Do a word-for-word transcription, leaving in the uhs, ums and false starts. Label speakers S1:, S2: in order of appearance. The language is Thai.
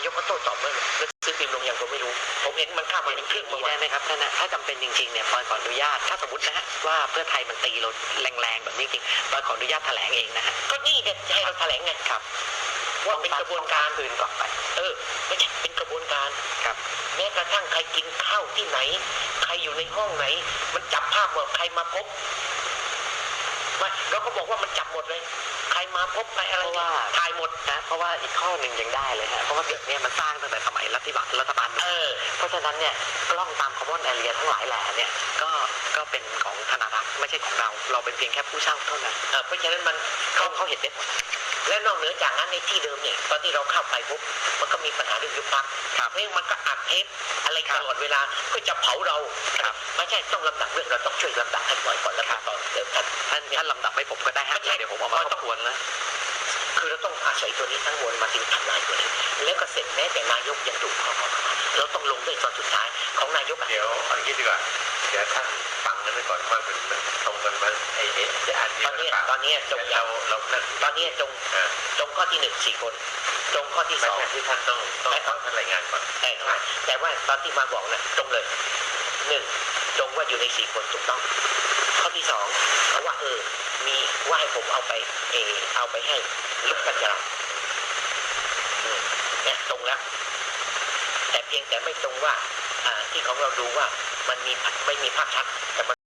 S1: กก็โต้ตอบเมื่อหนังสือพิมพ์ลงอย่างผมไม่รู้ผมเห็นมันข้ามมาถึงครึ่งมาได้ไหมครับท่านนะถ้าจำเป็นจริงๆเนี่ยปอยขออนุญาตถ้าสมมตินะฮะว่าเพื่อไทยมันตีเราแรงๆแบบนี้จริงปอยขออนุญาตแถลงเองนะฮะก็นี่ไงให้เราแถลงไงครับว่าเป็นกระบวนการคืนก่อนไปเออไม่ใช่เป็นกระบวนการครับแม้กระทั่งใครกินข้าวที่ไหนใครอยู่ในห้องไหนมันจับภาพว่าใครมาพบไม่เราก็บอกว่ามันจับหมดเลยใครมาพบใครอะไรว่าถ่ายหมดนะเพราะว่าอีกข้อหนึ่งยังได้เลยฮะเพราะว่าตึกเนี่ยมันสร้างตั้งแต่สมัยรัฐบาลรัฐบาลเออเพราะฉะนั้นเนี่ยกล้องตามคอมมอนแอเรียทั้งหลายแหล่เนี่ยก็ก็เป็นของธนารักษ์ไม่ใช่ของเราเราเป็นเพียงแค่ผู้เช่าเท่านั้นเออเพราะฉะนั้นมันเขาเขาเห็นได้หมดและนอกเหนือจากนั้นในที่เดิมเนี่ยตอนที่เราเข้าไปปุ๊บมันก็มีปัญหาเรื่องยุบพรรคเพราะมันก็อัดเทปอะไรตลอดเวลาเพื่อจะเผาเราไม่ใช่ต้องลำดับเรื่องเราต้องช่วยลำดับให้ก่อนก่อนแล้วตอนเดิมท่านท่านท่านลำดับให้ผมก็ได้ฮะเดี๋ยวผมเอามาทบทวนแล้วคือเราต้องอาศัยตัวนี้ทั้งมวลมาถึงทำลายตัวนี้แล้วก็เสร็จแม้แต่นายกยังถูกข้อข้อเราต้องลงด้วยตอนสุดท้ายของนายกเดี๋ยวอันนี้ดีกว่าเดี๋ยวท่านฟังกันไปก่อนว่ามันตรงกันไหมไอ้เอ๊ะจะอ่านตอนนี้ตอนนี้จงเราเราตอนนี้จงจงข้อที่หนึ่งสี่คนจงข้อที่สองที่ท่านต้องต้องต้องท่านรายงานก่อนแต่แต่ว่าตอนที่มาบอกนะจงเลยหนึ่งจงว่าอยู่ในสี่คนถูกต้องข้อที่สองเขาว่าเออมีว่าให้ผมเอาไปเออเอาไปให้ลดกันจราเนี่ยตรงแล้วแต่เพียงแต่ไม่ตรงว่าที่ของเราดูว่ามันมีไม่มีภาพชัดแต่